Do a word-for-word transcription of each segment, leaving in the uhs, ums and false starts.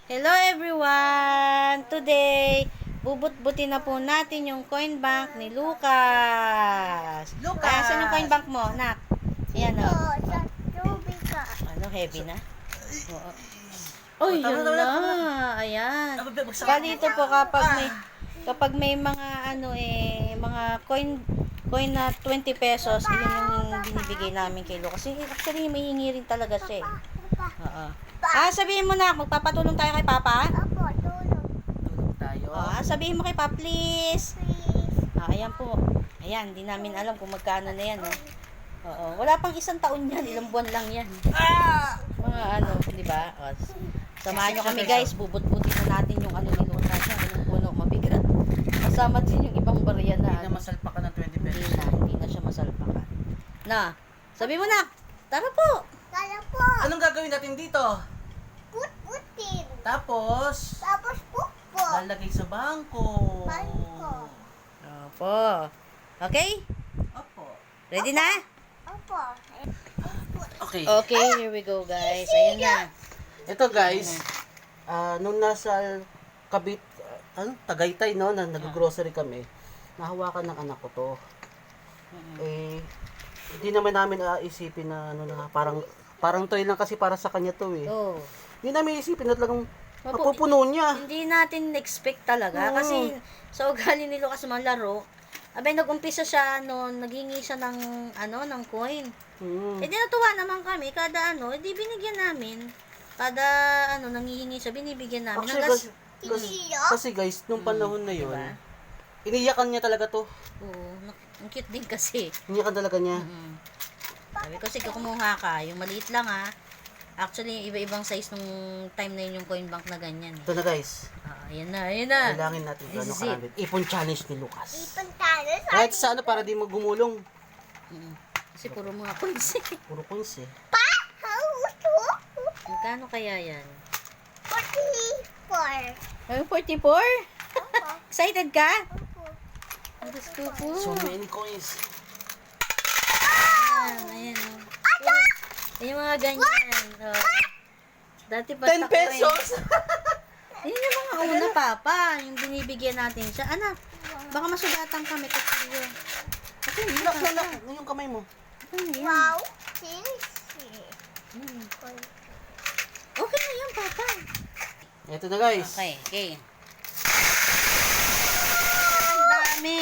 Hello everyone! Today, bubut-butin na po natin yung coin bank ni Lucas. Lucas! Kaya saan yung coin bank mo, nak? Ayan o. Oh, sa tubig ka. Ano, heavy na? Oo. Oh, yun tama, tama, na. tama. Ayan. Ah, bagsak. Saka dito po kapag may kapag may mga ano eh, mga coin coin na twenty pesos, yun yung binibigay namin kay Lucas. Kasi actually, may hingi rin talaga siya eh. Oo. Ah, sabihin mo na, magpapatulong tayo kay Papa? Opo, tulog. Tulog tayo. Ah, sabihin mo kay Papa, please. Please. Ah, ayan po. Ayan, hindi namin alam kung magkano na yan. Eh. Oo. Wala pang isang taon yan. Ilang buwan lang yan. Ah! Mga ano, di ba? O, s- samahan nyo kami guys. Bubut-butin na natin yung ano ni Lucas. Yung puno, mabigat. Kasama din yung ibang barya na. Hindi na ano. masalpakan ng twenty Hindi pesos. na. Hindi na siya masalpakan. Na, sabi mo na. Tara po. Kala po. Anong gagawin natin dito? Put-putin. Tapos, Tapos pukpo. lalagay sa bangko. Bangko. Opo. Okay? Opo. Ready na? Opo. Okay. Okay, here we go guys. Ayan na. Ito guys, ah nung nasa Kabit, ah, ano, Tagaytay no, na nag-grocery kami, nahawakan ng anak ko to. Eh, hindi naman namin aisipin na ano na parang parang toy lang kasi para sa kanya to eh. Oh. Hindi namin isipin na talagang Mapu- mapupuno niya. Hindi natin expect talaga Oo. kasi sa ugali ni Lucas malaro, abay nag-umpisa siya noon, naghingi siya ng ano, ng coin. Hmm. Eh di natuwa naman kami kada ano, eh di binigyan namin. Kada ano nanghihingi siya, binibigyan namin. Actually, Hanggang- kasi, kasi, Tiyo? kasi guys, nung panahon na yun, diba? iniyakan niya talaga to. Oo, nak- ang cute din kasi. Iniyakan talaga niya. Mm. Sabi ko, sige kumuha ka, yung maliit lang ha. Actually, iba-ibang size nung time na yun yung coin bank na ganyan. Ito na guys, Ah, ayan na, ayan na. kailangan natin This gano'ng is it. karami. Ipon challenge ni Lucas. Ipon tayo sa Kahit sa ano, para di magumulong. Mm. Kasi puro mga coins eh. Puro coins eh. pa. Hauto. Magkano kaya yan? Forty-four. Ay, forty-four? Opo. Excited ka? Opo. Diyos ko po. So many coins. Ayan, ayan. oh. Yung mga ganyan. Oh. Dati pa ten pesos! Yun yung mga una, Papa. Yung binibigyan natin siya. Anak, baka masugatan kami kasi yun. Ako yun, Lock, Papa. lock, yung kamay mo. Ako yun. Wow. Sisi. Hmm. Okay na yan, Papa. Ito na guys. Okay, okay. Ang dami.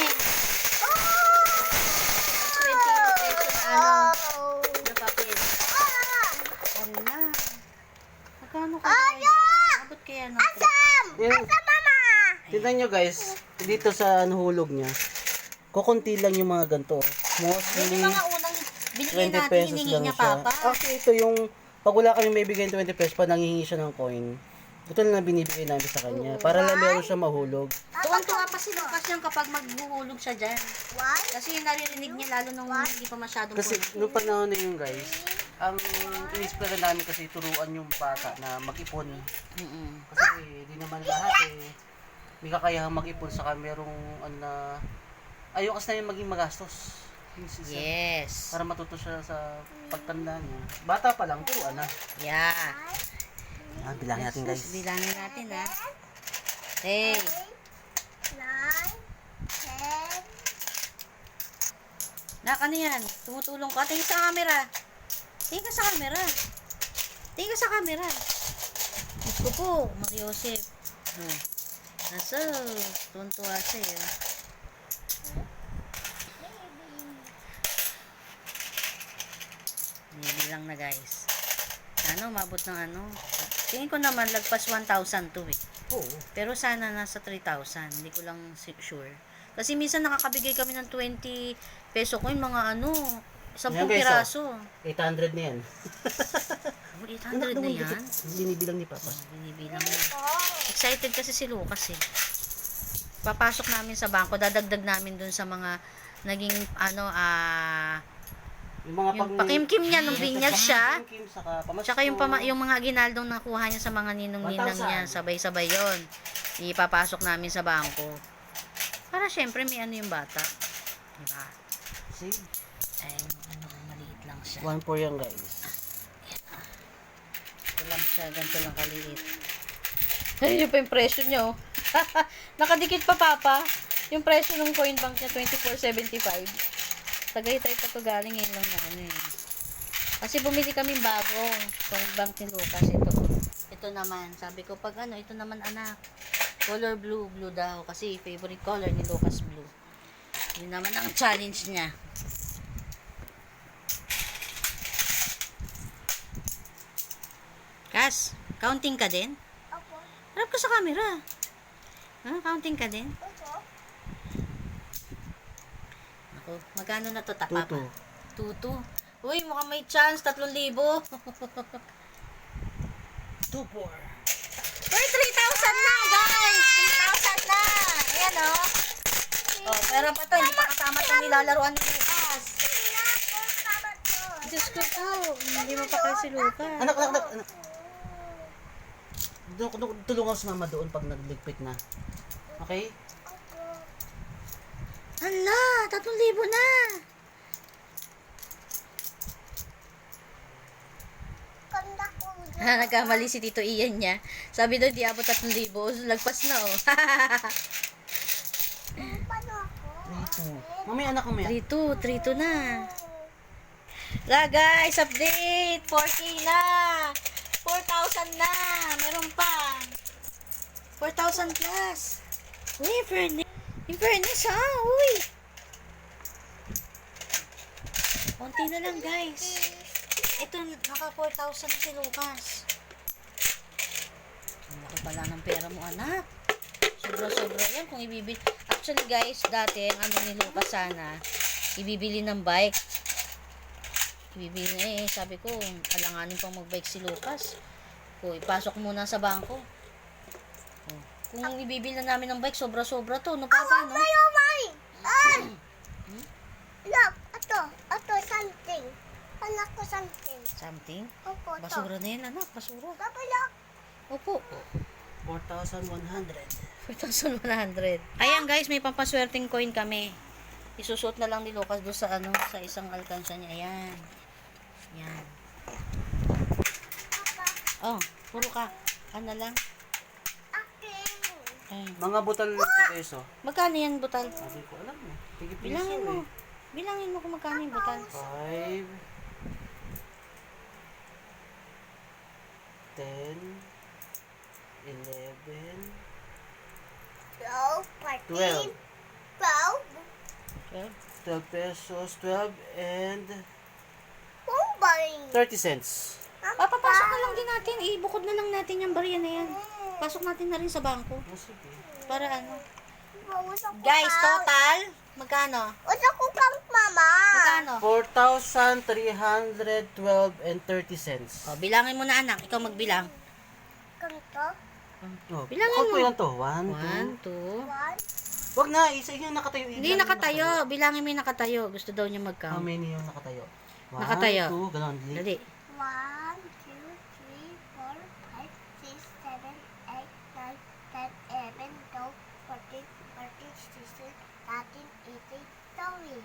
twenty pesos na ano. Oh. Na papel. Ah. Ano na? Magkano kaya Ano? yun? Abot kaya ng Sam. Yung, Sa mama. tignan nyo guys, dito sa ano, hulog niya. Kukunti lang yung mga ganito. Yun Mostly, yung mga unang binigay twenty natin, pesos hiningi lang niya, siya. Papa. Actually, ito yung, pag wala kami may bigay twenty pesos pa, nangihingi siya ng coin. Ito lang na binibigay namin sa kanya. Para lang meron siya mahulog. Tuwan-tuwa pa si Lucas yung kapag maghuhulog siya dyan. One. Kasi yung naririnig niya lalo nung hindi pa masyadong Kasi puro. nung panahon na yun guys, ang inispera namin kasi turuan yung bata na mag-ipon. Mm-mm. Kasi di naman lahat eh. May kakayahang mag-ipon saka merong ano na ayaw kasi namin maging magastos. This is, uh, Yes. Para matuto siya sa pagtanda niya. Bata pa lang, turuan na. Yeah. Ah, bilangin natin guys. Bilangin natin ha. Hey. Nine. Ten. Nak, ano yan? Tumutulong ka. Tingin sa camera. Tingin ka sa camera. Tingin ka sa camera. Diyos ko po, Mariosep. Hmm. Nasa, tuntua siya yun. Nibilang na guys. Ano, mabot ng ano. Tingin ko naman, lagpas one thousand to eh. Oo. Pero sana nasa three thousand. Hindi ko lang si- sure. Kasi minsan nakakabigay kami ng twenty peso ko yung mga ano, ten Yan, guys, piraso. eight hundred na yan. Oh, eight hundred na yan. Binibilang ni Papa. Oh, binibilang na. Excited kasi si Lucas eh. Papasok namin sa bangko, dadagdag namin dun sa mga naging ano, ah, Yung mga yung pakimkim niya nung binyag siya. Pakimkim, saka pamasko. Tsaka yung, pama, yung mga ginaldong nakuha niya sa mga ninong-ninang one thousand. niya, sabay-sabay yon. Ipapasok namin sa bangko. Para syempre may ano yung bata. Diba? See? Ay, ano, maliit lang siya. One for yan guys. Ito lang siya, ganito lang kaliit. Ayun yung pa yung presyo niya, oh. Nakadikit pa, Papa. Yung presyo ng coin bank niya, twenty-four seventy-five. Tagaytay pa to galing ngayon lang na ano eh. Kasi bumili kami bago. Coin bank ni Lucas. Ito. Ito naman. Sabi ko, pag ano, ito naman anak. Color blue. Blue daw. Kasi favorite color ni Lucas blue. Yun naman ang challenge niya. Kas, counting ka din? Opo. Harap ka sa camera. Ha? Counting ka din? Opo. Ako, magkano na to, tapa pa? Tuto. Tutu. Uy, mukhang may chance, tatlong libo. Two, four. Uy, three thousand na, guys! three thousand na! Ayan, oh. Oh, pero pa to, hindi pa kasama itong nilalaruan ni Lucas. Diyos ko po, hindi mo pa kasi Lucas. Anak, anak, anak. anak. Doon, doon, tulungan si mama doon pag nagligpit na. Okay? Hala, tatlong libo na! Kanda ko. Ha, nagkamali si Tito Ian niya. Sabi daw, di abot tatlong libo. Lagpas na, oh. Paano ako? Three, two. Mamaya, anak, mamaya. three two, three two na. La guys, update! four K na! four thousand na! Meron pa! four thousand plus! Uy, in fairness! In fairness, ha? Uy! Konti na lang, guys. Ito, naka four thousand na si Lucas. Ang laki pala ng pera mo, anak. Sobra-sobra yan kung ibibili. Actually, guys, dati, ang ano ni Lucas sana, ibibili ng bike. Ibibili na eh. Sabi ko, alanganin pang mag-bike si Lucas. O, ipasok muna sa bangko. O, kung ibibili na namin ng bike, sobra-sobra to. No, Papa, no? Ayaw, mine! Ay! Look, ito. Ito, something. Anak ko something. Something? Opo, ito. Basura na yan, anak. Basura. Papa, look. Opo. four thousand one hundred. four thousand one hundred. Ayan, guys, may pampaswerteng coin kami. Isusuot na lang ni Lucas doon sa ano, sa isang alkansya niya. Ayan. Ayan. Oh, puro ka. Ano lang? Akin. Ayan. Mga butal ng peso. Magkano yan, butal? Sabi ko, alam mo. Tigil Bilangin mo. eh. Bilangin mo kung magkano yung butal. Five. Ten. Eleven. Twelve, Twelve. fourteen, twelve. Okay. Twelve pesos. Twelve and Pumbay. thirty cents. Papapasok na lang din natin. Ibukod na lang natin yung barya na yan. Pasok natin na rin sa bangko. Oh, sige. Para ano. Usok ko Guys, kang- total. Magkano? Usok ko kang mama. Magkano? Four thousand three hundred twelve and thirty cents. O, bilangin mo na, anak. Ikaw magbilang. Ganito. Oh, Bilangin count mo. mo ilan to? One, One, two. two. One. Wag na, isa yung nakatayo. Hindi Bilangin mo nakatayo. Bilangin mo yung nakatayo. Gusto daw niya How mag-count. many yung nakatayo? One, Nakatayo. two, ganon. Dali. Dali. One, two, three, four, five, six, seven, eight, nine, ten, eleven, twelve, fourteen, fifteen, sixteen, seventeen, eighteen, twenty.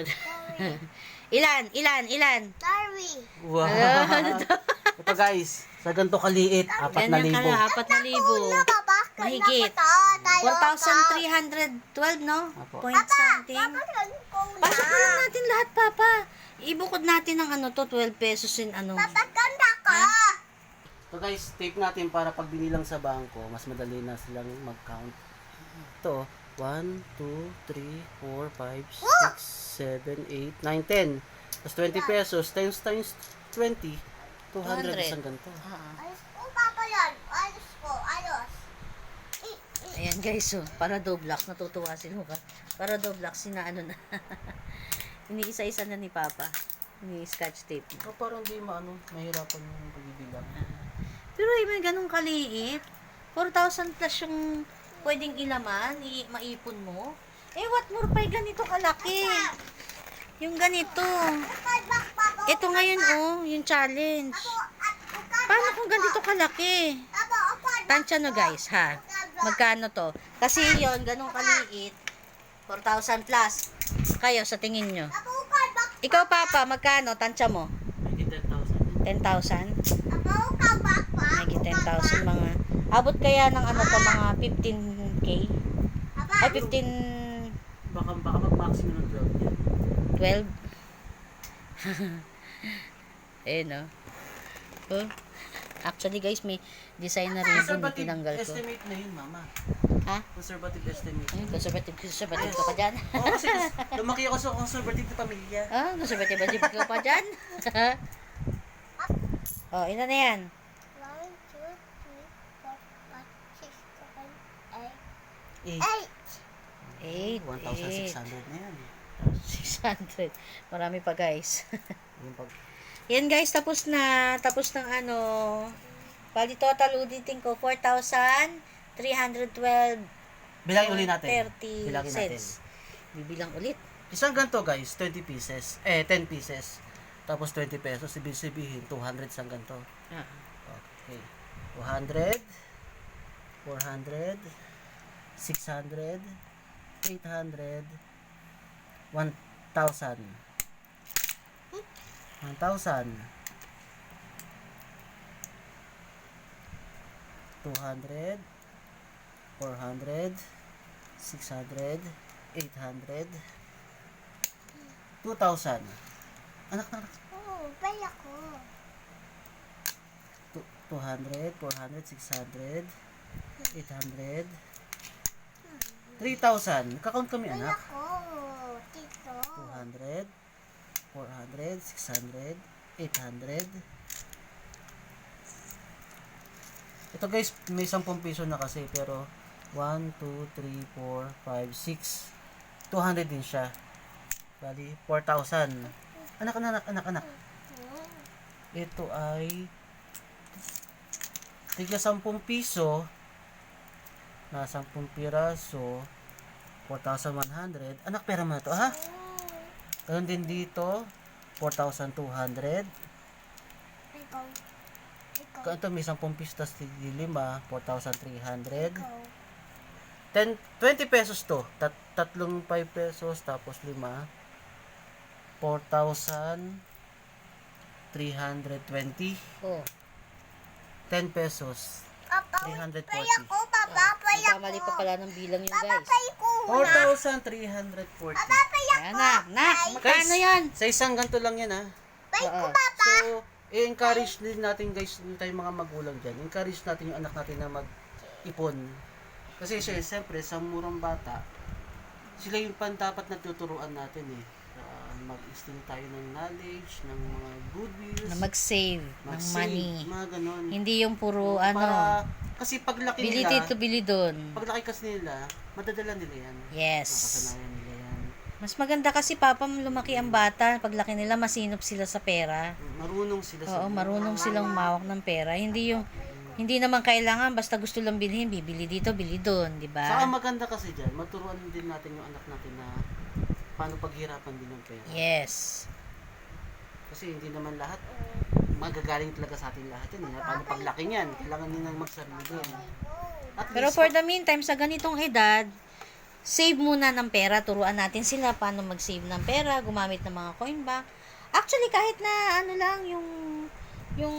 Ilan? Ilan? Ilan? Thirty. Wow. Ano to? Ito guys, sa ganito kaliit, apat na Ganyan ka libo. na, apat na libo. Una, baba. Mahigit. four thousand three hundred twelve, no? Apo. Point something. Pasok Pasok na lang natin lahat, Papa. Ibukod natin ng ano to, twelve pesos in ano. Papaganda ka. So guys, tape natin para pag binilang sa bangko, mas madali na silang mag-count. Ito, one, two, three, four, five, six, seven, eight, nine, ten. Tapos twenty pesos times times twenty, two hundred isang ganito. Ah, Ayos ko, Papa yan. Ayos ko, ayos. ayan guys, so, para Doblox, natutuwa si Luca. Para Doblox, sinaano na. Iniisa-isa na ni Papa. Ini-scotch tape. Oh, parang di maano, mahirapan yung pagbibilang. Pero eh, may ganun kaliit. four thousand plus yung pwedeng ilaman, i- maipon mo. Eh, what more pa yung ganito kalaki? Yung ganito. Ito ngayon, oh, yung challenge. Paano kung ganito kalaki? Tansya no guys, ha? Magkano to? Kasi yon ganun kaliit. four thousand plus. Kayo, sa tingin nyo. Ikaw, Papa, magkano? Tansya mo? Maybe ten thousand. ten thousand? Maybe ten thousand mga... Abot kaya ng ano to, mga fifteen K? Ay, fifteen, Baka, baka mag-maximum ng twelve yan. twelve? Eh, no? Oh. Actually, guys, may design na rin yung Conservative tinanggal ko. estimate na yun, mama. Ha? Conservative estimate. Ay, conservative, conservative ka pa dyan. Oo, kasi lumaki ako sa conservative na pamilya. Ah, conservative ka pa dyan. Oh, ina na yan. One, two, three, four, five, six, seven, eight. Eh, Eight! eight, one thousand six hundred na yan. six hundred. Marami pa, guys. Yung pag... Yan, guys, tapos na. Tapos ng ano. Bali, total ulitin ko, four thousand three hundred twelve Bilangin ulit natin. thirty Bilangin natin. cents. Bibilang ulit. Isang ganito guys, twenty pieces. Eh, ten pieces. Tapos twenty pesos. Ibig sabihin, two hundred isang ganito. Ah. Okay. two hundred, four hundred, six hundred, eight hundred, one thousand. one thousand. two hundred, four hundred, six hundred, eight hundred, two thousand. Anak, anak. Oh, bala ko. Two- two hundred, four hundred, six hundred, eight hundred, three thousand. Kakount kami, Bala anak. ko. Tito. two hundred, four hundred, six hundred, eight hundred. Ito guys, may ten piso na kasi, pero one, two, three, four, five, six. two hundred din siya. Bali, four thousand. Anak, anak, anak, anak. Ito ay tiga ten piso na ten piraso, four thousand one hundred. Anak, pera mo na to, ha? Ganun din dito, four thousand two hundred. Ikaw. Ikaw. Ito may ten piso tas lima, four thousand three hundred. Ikaw. ten, twenty pesos to. Tat, tatlong five pesos tapos lima. four thousand three hundred twenty. Oh. ten pesos. Papa, three hundred paya forty. ko. Papa, paya ko. Nagkamali pa pala ng bilang yun, Papa, guys. paya ko. four thousand three hundred forty. Papa, paya Ayan ko. na, na. Magkano yan? Sa isang ganito lang yan, ha? Paya ko, Oo. papa. So, i-encourage din natin guys, yung tayong mga magulang dyan. Encourage natin yung anak natin na mag-ipon. Kasi siya, siyempre, sa murang bata, sila yung pan dapat natuturuan natin eh. Uh, mag-instill tayo ng knowledge, ng mga good views, Na mag-save ng mag-save, money. mga ganon. Hindi yung puro ano, Para, kasi paglaki bili nila, dito, bili doon. paglaki kasi nila, madadala nila yan. Yes. Makasanayan nila yan. Mas maganda kasi, papa, lumaki ang bata. Paglaki nila, masinop sila sa pera. Marunong sila sa Oo, marunong silang mawak ng pera. Hindi yung, hindi naman kailangan, basta gusto lang bilhin, bibili dito, bili doon, di Saka ba? maganda kasi dyan, maturuan din natin yung anak natin na paano paghirapan din ng pera. Yes. Kasi hindi naman lahat magagaling talaga sa atin lahat yun. Eh. Paano paglaki niyan? Kailangan nilang magsarili din. At Pero least, for the meantime, sa ganitong edad, save muna ng pera. Turuan natin sila paano mag-save ng pera, gumamit ng mga coin bank. Actually, kahit na ano lang, yung, yung,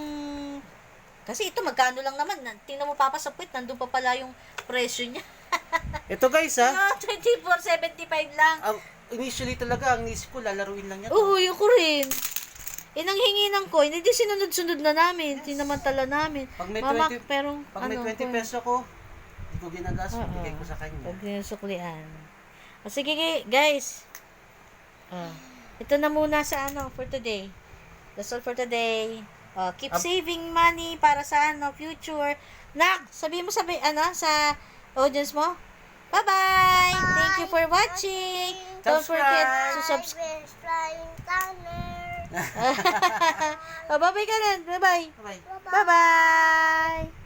kasi ito, magkano lang naman. Na- Tingnan mo, papa, sa puwit, nandun pa pala yung presyo niya. ito guys ha, Ah, twenty-four seventy-five lang. ah, initially talaga, ang nisip ko, lalaruin lang yan. Oo, yung ko rin. Eh, nang hingi ng coin, hindi sinunod-sunod na namin. Sinamantala namin. Pag may Mama, twenty pero, Pag may ano, twenty coin. peso ko, hindi ko ginagas, Oo. bigay ko sa kanya. Huwag niyo suklian. O sige, gi- guys. Ah, ito na muna sa ano, for today. That's all for today. Oh, keep Ab- saving money para sa ano, future. Nak, sabi mo sabi, ano, sa audience mo? Bye-bye! Thank you for watching. Don't forget to subscribe. I will flying tunnel. oh, bye-bye ka na. Bye-bye. Bye. Bye-bye.